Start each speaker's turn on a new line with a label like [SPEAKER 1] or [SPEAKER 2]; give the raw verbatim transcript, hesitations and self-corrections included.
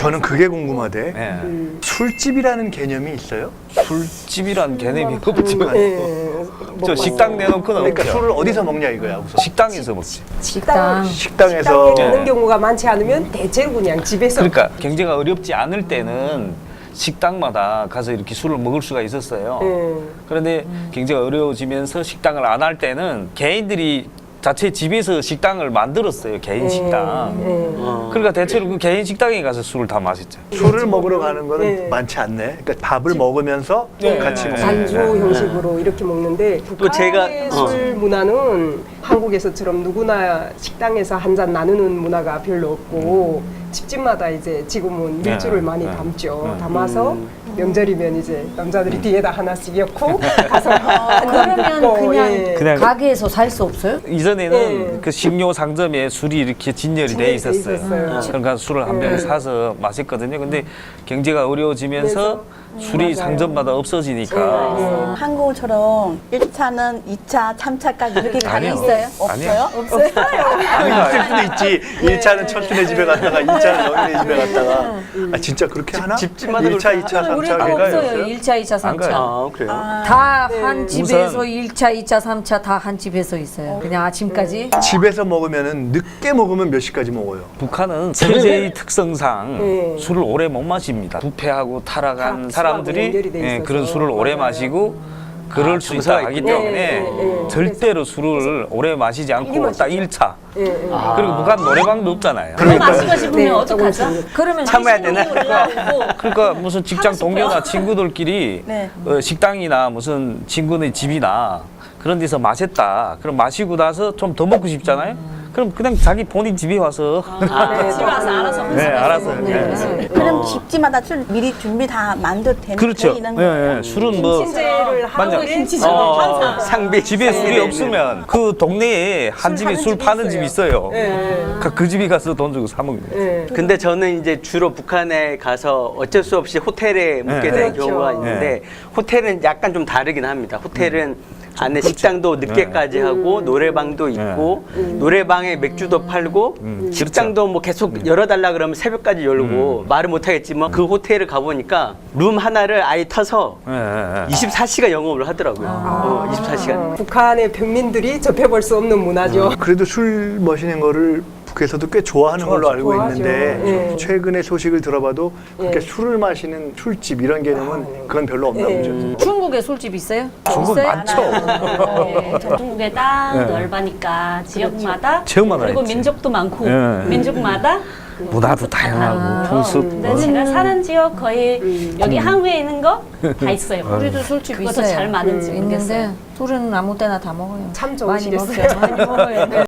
[SPEAKER 1] 저는 그게 궁금하대.
[SPEAKER 2] 네.
[SPEAKER 3] 음.
[SPEAKER 1] 술집이라는 개념이 있어요?
[SPEAKER 2] 술집이란 개념이 없죠.
[SPEAKER 3] 네.
[SPEAKER 2] 저 식당 내놓고는
[SPEAKER 1] 그러니까
[SPEAKER 2] 없죠.
[SPEAKER 1] 술을 어디서 먹냐 이거야 우선.
[SPEAKER 2] 식당에서 먹지.
[SPEAKER 4] 식당.
[SPEAKER 1] 식당에서
[SPEAKER 3] 식당에 가는
[SPEAKER 2] 네.
[SPEAKER 3] 경우가 많지 않으면 대체로 그냥 집에서.
[SPEAKER 2] 그러니까 경제가 어렵지 않을 때는 식당마다 가서 이렇게 술을 먹을 수가 있었어요.
[SPEAKER 3] 음.
[SPEAKER 2] 그런데 경제가 어려워지면서 식당을 안 할 때는 개인들이 자체 집에서 식당을 만들었어요. 개인 식당.
[SPEAKER 3] 음.
[SPEAKER 2] 그러니까 대체로 그 개인 식당에 가서 술을 다 마셨죠.
[SPEAKER 1] 술을 먹으러 가는 거는
[SPEAKER 3] 네.
[SPEAKER 1] 많지 않네. 그러니까 밥을 먹으면서
[SPEAKER 2] 네.
[SPEAKER 1] 같이
[SPEAKER 2] 네.
[SPEAKER 1] 먹는
[SPEAKER 3] 반주
[SPEAKER 1] 거야.
[SPEAKER 3] 형식으로 이렇게 먹는데
[SPEAKER 5] 또 제가-
[SPEAKER 3] 북한의
[SPEAKER 5] 어.
[SPEAKER 3] 술 문화는 한국에서처럼 누구나 식당에서 한 잔 나누는 문화가 별로 없고 집집마다 이제 지금은
[SPEAKER 2] 네.
[SPEAKER 3] 밀주를 많이
[SPEAKER 2] 네.
[SPEAKER 3] 담죠.
[SPEAKER 2] 네.
[SPEAKER 3] 담아서 명절이면 이제 남자들이 뒤에다 하나씩 엮고 가서 한잔
[SPEAKER 4] 그러면
[SPEAKER 3] 붓고,
[SPEAKER 4] 그냥
[SPEAKER 3] 예.
[SPEAKER 2] 그냥
[SPEAKER 4] 가게에서 살 수 없어요?
[SPEAKER 2] 이전에는
[SPEAKER 3] 네.
[SPEAKER 2] 그 식료 상점에 술이 이렇게 진열이 돼
[SPEAKER 3] 진열이 돼
[SPEAKER 2] 있었어요.
[SPEAKER 3] 있었어요.
[SPEAKER 2] 그러니까 술을 한 병
[SPEAKER 3] 네.
[SPEAKER 2] 사서 마셨거든요. 근데 경제가 어려워지면서 술이
[SPEAKER 3] 맞아요.
[SPEAKER 2] 상점마다 없어지니까
[SPEAKER 3] 네.
[SPEAKER 6] 한국처럼 일 차는 이 차, 삼 차까지 이렇게 가는
[SPEAKER 2] 아니요.
[SPEAKER 6] 있어요?
[SPEAKER 2] 아니요.
[SPEAKER 6] 없어요?
[SPEAKER 1] 있을 수도 있지. 일 차는 천순의 집에 갔다가 이 차는 영인의 집에 갔다가. 아 진짜 그렇게 하나?
[SPEAKER 5] 집집마다
[SPEAKER 1] 일 차, 이
[SPEAKER 5] 그렇게
[SPEAKER 1] 차, 삼 차
[SPEAKER 4] 우리도
[SPEAKER 1] 걔가
[SPEAKER 4] 없어요.
[SPEAKER 1] 있어요?
[SPEAKER 4] 일 차, 이 차, 삼
[SPEAKER 2] 안 가요.
[SPEAKER 4] 차.
[SPEAKER 5] 아 그래요?
[SPEAKER 4] 다 한
[SPEAKER 3] 네.
[SPEAKER 4] 집에서
[SPEAKER 2] 우선-
[SPEAKER 4] 일 차, 이 차, 삼 차 다 한 집에서 있어요. 그냥 아침까지.
[SPEAKER 1] 집에서 먹으면은 늦게 먹으면 몇 시까지 먹어요?
[SPEAKER 2] 북한은 체제의 특성상
[SPEAKER 3] 네.
[SPEAKER 2] 술을 오래 못 마십니다. 부패하고 타락한
[SPEAKER 3] 타락수하고
[SPEAKER 2] 사람들이
[SPEAKER 3] 연결이 돼
[SPEAKER 2] 예,
[SPEAKER 3] 있어서.
[SPEAKER 2] 그런 술을 오래
[SPEAKER 3] 맞아요.
[SPEAKER 2] 마시고 그럴
[SPEAKER 5] 아,
[SPEAKER 2] 수
[SPEAKER 5] 정서가
[SPEAKER 2] 있다 하기
[SPEAKER 5] 있군요.
[SPEAKER 2] 때문에
[SPEAKER 3] 네, 네, 네.
[SPEAKER 2] 절대로 술을 오래 마시지 않고
[SPEAKER 3] 마시죠.
[SPEAKER 2] 딱 일 차.
[SPEAKER 3] 예, 예.
[SPEAKER 2] 그리고 북한 노래방도 없잖아요.
[SPEAKER 7] 그거 마시고 싶으면
[SPEAKER 3] 네,
[SPEAKER 7] 어떡하죠?
[SPEAKER 3] 조금씩.
[SPEAKER 4] 그러면
[SPEAKER 5] 참아야 되나?
[SPEAKER 2] 그러니까 무슨 직장 동료나 친구들끼리
[SPEAKER 6] 네.
[SPEAKER 2] 어, 식당이나 무슨 친구네 집이나 그런 데서 마셨다. 그럼 마시고 나서 좀 더 먹고 싶잖아요. 그럼 그냥 자기 본인 집에 와서
[SPEAKER 3] 네,
[SPEAKER 7] 집에 와서 알아서
[SPEAKER 2] 네, 알아서.
[SPEAKER 3] 네.
[SPEAKER 2] 네.
[SPEAKER 6] 그럼 집집마다 술 미리 준비 다 만들 되는
[SPEAKER 2] 그렇죠.
[SPEAKER 6] 있는
[SPEAKER 2] 예,
[SPEAKER 6] 거예요?
[SPEAKER 2] 예. 술은 뭐
[SPEAKER 3] 신제를
[SPEAKER 2] 맞아.
[SPEAKER 3] 하고
[SPEAKER 7] 김치전
[SPEAKER 2] 어,
[SPEAKER 7] 항상
[SPEAKER 5] 상비
[SPEAKER 2] 집에 술이 없으면 그 동네에 한 집에
[SPEAKER 3] 파는
[SPEAKER 2] 술
[SPEAKER 3] 집이
[SPEAKER 2] 파는
[SPEAKER 3] 있어요.
[SPEAKER 2] 집이 있어요.
[SPEAKER 3] 예,
[SPEAKER 2] 그, 그 집에 가서 돈 주고 사 먹는 거예요.
[SPEAKER 3] 예.
[SPEAKER 5] 근데 저는 이제 주로 북한에 가서 어쩔 수 없이 호텔에 묵게 되는
[SPEAKER 3] 그렇죠.
[SPEAKER 5] 경우가 있는데 호텔은 약간 좀 다르긴 합니다. 호텔은 안에 식당도 늦게까지
[SPEAKER 2] 네.
[SPEAKER 5] 하고 노래방도 있고 노래방에 맥주도 팔고
[SPEAKER 2] 음,
[SPEAKER 5] 식당도 뭐 계속 열어달라 그러면 새벽까지 열고 말을 못하겠지만 그 호텔을 가보니까 룸 하나를 아예 타서
[SPEAKER 2] 예, 예, 예.
[SPEAKER 5] 이십사 시간 영업을 하더라고요. 어, 이십사 시간.
[SPEAKER 3] 어, 북한의 평민들이 접해볼 수 없는 문화죠.
[SPEAKER 1] 그래도 술 마시는 거를 북에서도 꽤 좋아하는 걸로 알고
[SPEAKER 3] 좋아하죠.
[SPEAKER 1] 있는데
[SPEAKER 3] 예.
[SPEAKER 1] 최근에 소식을 들어봐도 그렇게
[SPEAKER 3] 예.
[SPEAKER 1] 술을 마시는 술집 이런 개념은 그건 별로 없나
[SPEAKER 3] 예.
[SPEAKER 1] 보죠.
[SPEAKER 4] 중국에 술집 있어요?
[SPEAKER 2] 중국
[SPEAKER 4] 있어요?
[SPEAKER 2] 많죠.
[SPEAKER 7] 네, 중국에 땅
[SPEAKER 2] 네.
[SPEAKER 7] 넓으니까 지역마다
[SPEAKER 2] 지역마다
[SPEAKER 7] 그리고
[SPEAKER 2] 있지.
[SPEAKER 7] 민족도 많고
[SPEAKER 2] 네.
[SPEAKER 7] 민족마다
[SPEAKER 2] 문화도 다양하고
[SPEAKER 4] 아,
[SPEAKER 2] 풍습.
[SPEAKER 7] 근데
[SPEAKER 2] 뭐.
[SPEAKER 7] 제가 사는 지역 거의 여기 한국에 있는 거 다 있어요.
[SPEAKER 4] 우리도 술집
[SPEAKER 7] 그것도
[SPEAKER 4] 있어요.
[SPEAKER 7] 잘 맞는지 모르겠어요.
[SPEAKER 4] 있는데 술은 아무 때나 다 먹어요.
[SPEAKER 3] 참
[SPEAKER 4] 많이
[SPEAKER 3] 좋으시겠어요.
[SPEAKER 4] 먹어요. 많이 먹어요.